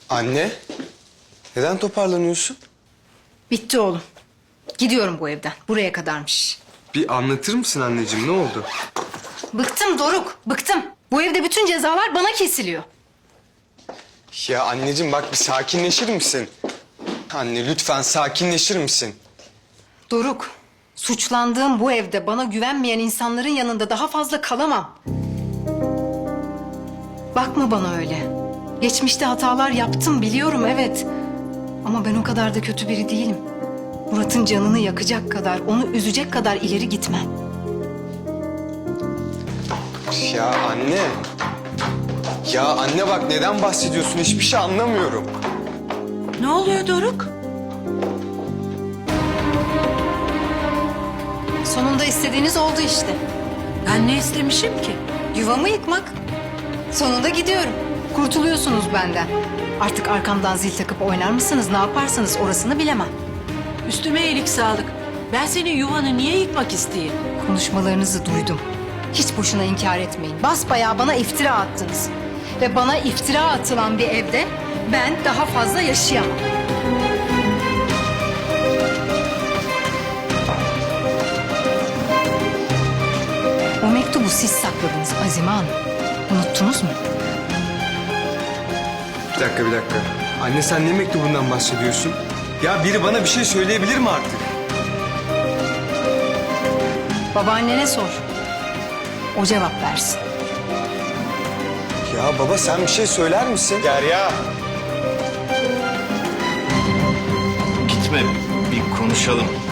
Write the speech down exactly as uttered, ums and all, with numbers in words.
Anne, neden toparlanıyorsun? Bitti oğlum. Gidiyorum bu evden. Buraya kadarmış. Bir anlatır mısın anneciğim, ne oldu? Bıktım Doruk, bıktım. Bu evde bütün cezalar bana kesiliyor. Ya anneciğim bak bir sakinleşir misin? Anne lütfen sakinleşir misin? Doruk, suçlandığım bu evde bana güvenmeyen insanların yanında daha fazla kalamam. Bakma bana öyle. Geçmişte hatalar yaptım biliyorum, evet. Ama ben o kadar da kötü biri değilim. Murat'ın canını yakacak kadar, onu üzecek kadar ileri gitmem. Ya anne. Ya anne bak neden bahsediyorsun, hiçbir şey anlamıyorum. Ne oluyor Doruk? Sonunda istediğiniz oldu işte. Ben ne istemişim ki? Yuvamı yıkmak. Sonunda gidiyorum. Kurtuluyorsunuz benden. Artık arkamdan zil takıp oynar mısınız, ne yaparsınız orasını bilemem. Üstüme iyilik sağlık. Ben senin yuvanı niye yıkmak isteyeyim? Konuşmalarınızı duydum. Hiç boşuna inkar etmeyin. Basbayağı bana iftira attınız. Ve bana iftira atılan bir evde ben daha fazla yaşayamam. O mektubu siz sakladınız Azime Hanım. Unuttunuz mu? Bir dakika bir dakika. Anne sen ne mektubundan bahsediyorsun? Ya biri bana bir şey söyleyebilir mi artık? Babaannene sor. O cevap versin. Ya baba sen bir şey söyler misin? Derya. Gitme, bir konuşalım.